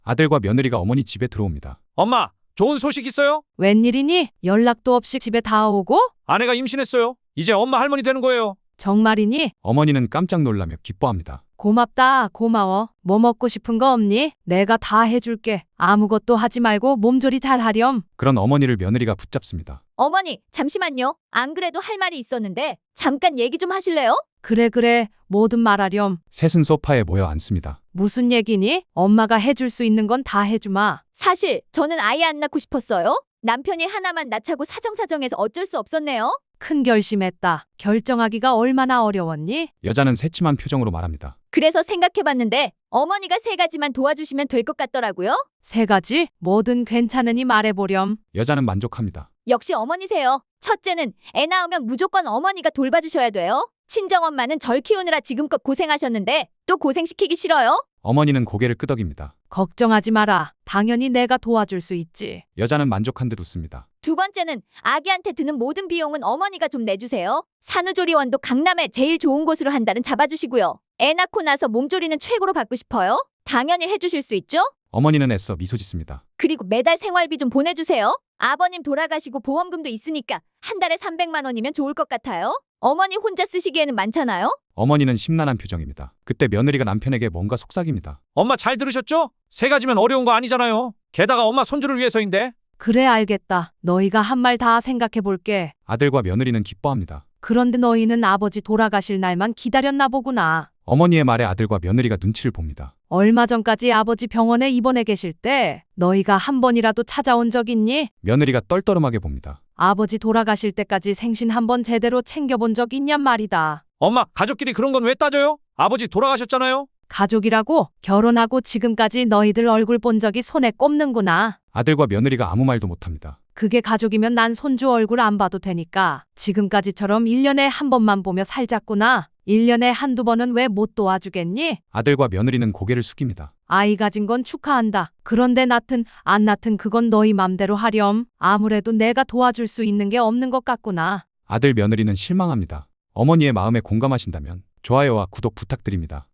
아들과 며느리가 어머니 집에 들어옵니다. 엄마, 좋은 소식 있어요? 웬일이니? 연락도 없이 집에 다 오고? 아내가 임신했어요. 이제 엄마 할머니 되는 거예요. 정말이니? 어머니는 깜짝 놀라며 기뻐합니다. 고맙다, 고마워. 뭐 먹고 싶은 거 없니? 내가 다 해줄게. 아무것도 하지 말고 몸조리 잘 하렴. 그런 어머니를 며느리가 붙잡습니다. 어머니, 잠시만요. 안 그래도 할 말이 있었는데 잠깐 얘기 좀 하실래요? 그래, 뭐든 말하렴. 셋은 소파에 모여 앉습니다. 무슨 얘기니? 엄마가 해줄 수 있는 건 다 해주마. 사실 저는 아이 안 낳고 싶었어요. 남편이 하나만 낳자고 사정사정해서 어쩔 수 없었네요. 큰 결심했다. 결정하기가 얼마나 어려웠니? 여자는 새침한 표정으로 말합니다. 그래서 생각해봤는데 어머니가 3가지만 도와주시면 될 것 같더라고요. 3가지? 뭐든 괜찮으니 말해보렴. 여자는 만족합니다. 역시 어머니세요. 첫째는 애 낳으면 무조건 어머니가 돌봐주셔야 돼요. 친정엄마는 절 키우느라 지금껏 고생하셨는데 또 고생시키기 싫어요? 어머니는 고개를 끄덕입니다. 걱정하지 마라. 당연히 내가 도와줄 수 있지. 여자는 만족한 듯 웃습니다. 두 번째는 아기한테 드는 모든 비용은 어머니가 좀 내주세요. 산후조리원도 강남에 제일 좋은 곳으로 한 달은 잡아주시고요. 애 낳고 나서 몸조리는 최고로 받고 싶어요. 당연히 해주실 수 있죠? 어머니는 애써 미소 짓습니다. 그리고 매달 생활비 좀 보내주세요. 아버님 돌아가시고 보험금도 있으니까 한 달에 300만 원이면 좋을 것 같아요. 어머니 혼자 쓰시기에는 많잖아요? 어머니는 심란한 표정입니다. 그때 며느리가 남편에게 뭔가 속삭입니다. 엄마 잘 들으셨죠? 3가지면 어려운 거 아니잖아요. 게다가 엄마 손주를 위해서인데. 그래, 알겠다. 너희가 한 말 다 생각해볼게. 아들과 며느리는 기뻐합니다. 그런데 너희는 아버지 돌아가실 날만 기다렸나 보구나. 어머니의 말에 아들과 며느리가 눈치를 봅니다. 얼마 전까지 아버지 병원에 입원해 계실 때 너희가 한 번이라도 찾아온 적 있니? 며느리가 떨떠름하게 봅니다. 아버지 돌아가실 때까지 생신 한 번 제대로 챙겨본 적 있냔 말이다. 엄마, 가족끼리 그런 건 왜 따져요? 아버지 돌아가셨잖아요. 가족이라고? 결혼하고 지금까지 너희들 얼굴 본 적이 손에 꼽는구나. 아들과 며느리가 아무 말도 못합니다. 그게 가족이면 난 손주 얼굴 안 봐도 되니까 지금까지처럼 1년에 한 번만 보며 살자꾸나. 1년에 한두 번은 왜 못 도와주겠니? 아들과 며느리는 고개를 숙입니다. 아이 가진 건 축하한다. 그런데 낳든 안 낳든 그건 너희 맘대로 하렴. 아무래도 내가 도와줄 수 있는 게 없는 것 같구나. 아들 며느리는 실망합니다. 어머니의 마음에 공감하신다면 좋아요와 구독 부탁드립니다.